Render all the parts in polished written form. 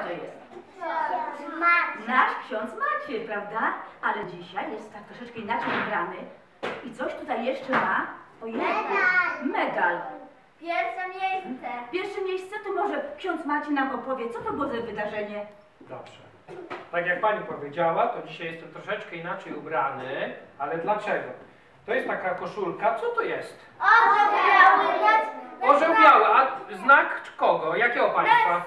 to jest? Nasz ksiądz Maciej, prawda? Ale dzisiaj jest tak troszeczkę inaczej ubrany. I coś tutaj jeszcze ma. Medal. Pierwsze miejsce. Pierwsze miejsce, to może ksiądz Maciej nam opowie, co to było za wydarzenie? Dobrze. Tak jak pani powiedziała, to dzisiaj jestem troszeczkę inaczej ubrany, ale dlaczego? To jest taka koszulka, co to jest? Orzeł biały. Orzeł biały, a znak kogo? Jakiego państwa?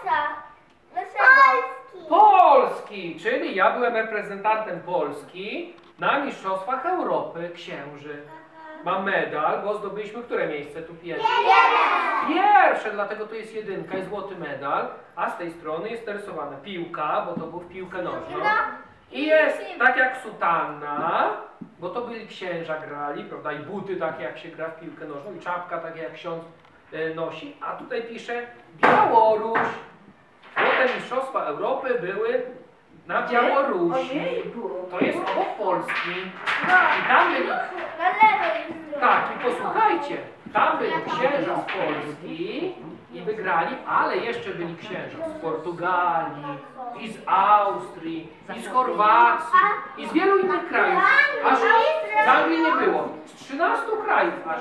Polski. Polski, czyli ja byłem reprezentantem Polski na Mistrzostwach Europy Księży. Mam medal, bo zdobyliśmy które miejsce tu pierwsze? Pierwsze, dlatego to jest jedynka i złoty medal, a z tej strony jest narysowana piłka, bo to był w piłkę nożną. I jest tak jak sutanna, bo to byli księża grali, prawda, i buty takie jak się gra w piłkę nożną, i czapka takie jak ksiądz nosi, a tutaj pisze Białoruś. Potem Mistrzostwa Europy były na Białorusi. To jest obok Polski. I tam byli... Na lewo jest. Tak, i posłuchajcie, tam byli księża z Polski i wygrali, ale jeszcze byli księża z Portugalii, i z Austrii, i z Chorwacji, i z wielu innych krajów. Aż z Anglii nie było. Z 13 krajów aż.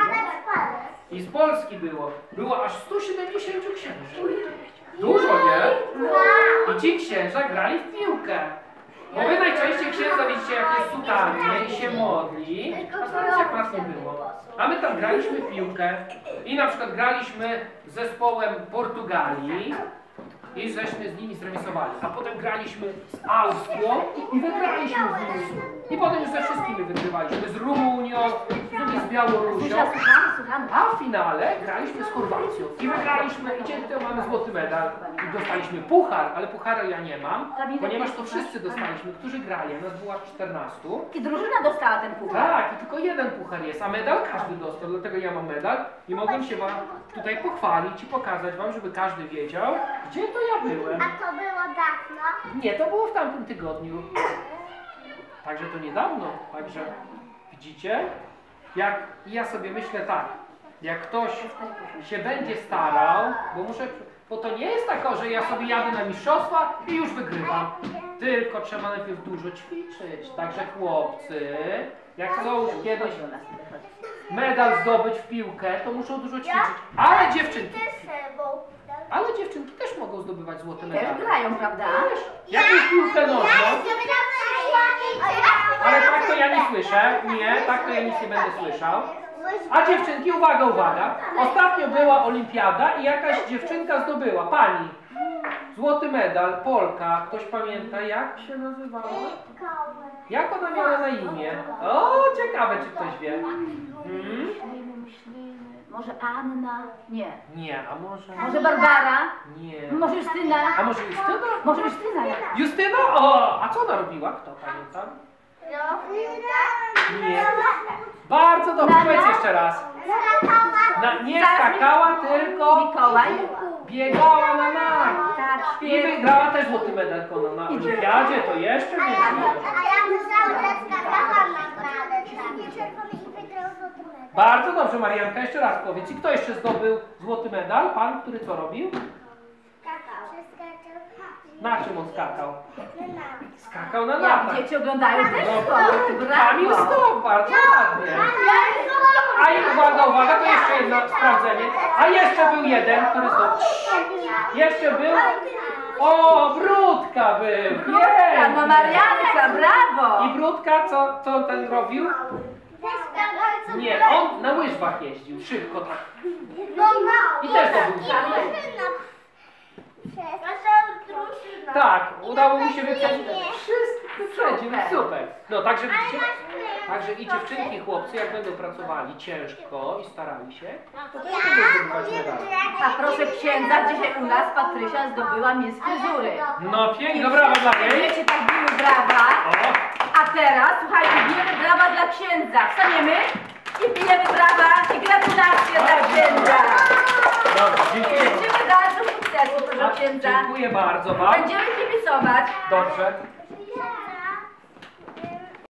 I z Polski było. Było aż 170 księży. Dużo, nie? I ci księża grali w piłkę. Bo wy najczęściej księdza widzicie, jak jest sutannie i się modli, a teraz jak nas nie było. A my tam graliśmy w piłkę i na przykład graliśmy z zespołem Portugalii i żeśmy z nimi zremisowali. A potem graliśmy z Austrią i wygraliśmy z nimi. I potem już ze wszystkimi wygrywaliśmy. Z Rumunią, z Białorusią. A w finale graliśmy z Chorwacją i wygraliśmy i dzięki temu mamy złoty medal. I dostaliśmy puchar, ale pucharu ja nie mam, ponieważ to wszyscy dostaliśmy, którzy grali. Nas było aż 14. I drużyna dostała ten puchar. Tak, i tylko jeden puchar jest, a medal każdy dostał, dlatego ja mam medal i mogłem się wam tutaj pochwalić i pokazać wam, żeby każdy wiedział, gdzie to ja byłem. A to było dawno? Nie, to było w tamtym tygodniu. Także to niedawno, także widzicie? Jak ja sobie myślę tak, jak ktoś się będzie starał, bo to nie jest tak, że ja sobie jadę na mistrzostwa i już wygrywam. Tylko trzeba najpierw dużo ćwiczyć. Także chłopcy, jak chcą kiedyś medal zdobyć w piłkę, to muszą dużo ćwiczyć. Ale dziewczynki też mogą zdobywać złote medale. Też grają, prawda? Jakąś piłkę nożną. Ale tak to ja nie słyszę. Nie, tak to ja nic nie będę słyszał. A dziewczynki, uwaga, uwaga. Ostatnio była olimpiada i jakaś dziewczynka zdobyła. Pani. Złoty medal, Polka. Ktoś pamięta, jak się nazywała? Jak ona miała na imię? O, ciekawe, czy ktoś wie. Może Anna? Nie. Nie, a może... Może Barbara? Nie. Może Justyna? A może Justyna? Może Justyna? Justyna? O, a co ona robiła? Kto pamięta? Nie. Bardzo dobrze, powiedz jeszcze raz. Nie skakała, tylko Mikołaj? biegała na nogach. Tak, I wygrała też złoty medal na olimpiadzie, to jeszcze więcej. Bardzo dobrze, Marianka, jeszcze raz powiedz. I kto jeszcze zdobył złoty medal? Pan, który co robił? Na czym on skakał? Skakał na Jak nartach. dzieci oglądają też sport. Kamil Stok, bardzo ładnie. A i uwaga, to jeszcze jedno sprawdzenie. A jeszcze był jeden, który zdobył. Jeszcze był. O, Brudka był. Brudka, no Marianka, brawo. I Brudka, co on ten robił? Nie, on na łyżwach jeździł, szybko tak. I też zdobył. Tak, udało mi się wyprzedzić. Wszystko wyprzedził, super. No także widzicie, także i dziewczynki, i chłopcy, jak będą pracowali ciężko i starali się, to też będą zdobywać medale. A proszę księdza, dzisiaj u nas Patrysia zdobyła Miss Fryzury. No pięknie, brawa dla niej. Wiecie, tak były brawa. A teraz, słuchajcie, bijemy brawa dla księdza. Wstaniemy i bijemy brawa i gratulacje dla księdza. Dobra, dziękuję. Życzymy dalszych sukcesów, proszę księdza. Dziękuję bardzo wam. Będziemy kibicować. Dobrze.